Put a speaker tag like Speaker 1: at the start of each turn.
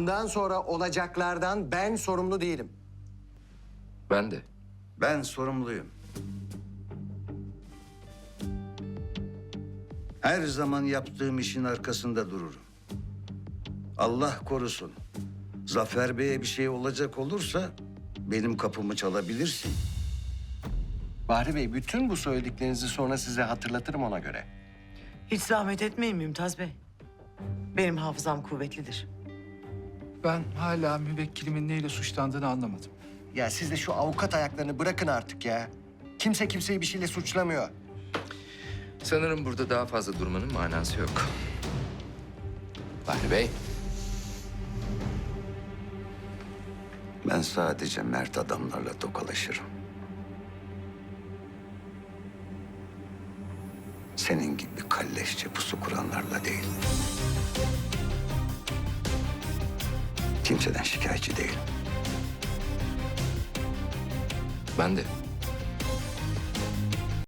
Speaker 1: Bundan sonra olacaklardan ben sorumlu değilim.
Speaker 2: Ben de.
Speaker 3: Ben sorumluyum. Her zaman yaptığım işin arkasında dururum. Allah korusun. Zafer Bey'e bir şey olacak olursa benim kapımı çalabilirsin.
Speaker 1: Bahri Bey, bütün bu söylediklerinizi sonra size hatırlatırım ona göre.
Speaker 4: Hiç zahmet etmeyin Mümtaz Bey. Benim hafızam kuvvetlidir.
Speaker 5: Ben hala müvekkilimin neyle suçlandığını anlamadım.
Speaker 1: Ya siz de şu avukat ayaklarını bırakın artık ya. Kimse kimseyi bir şeyle suçlamıyor.
Speaker 2: Sanırım burada daha fazla durmanın manası yok. Bahri Bey.
Speaker 3: Ben sadece mert adamlarla tokalaşırım. Senin gibi kalleşçe pusu kuranlarla değil. Kimseden şikayetçi değilim.
Speaker 2: Ben de.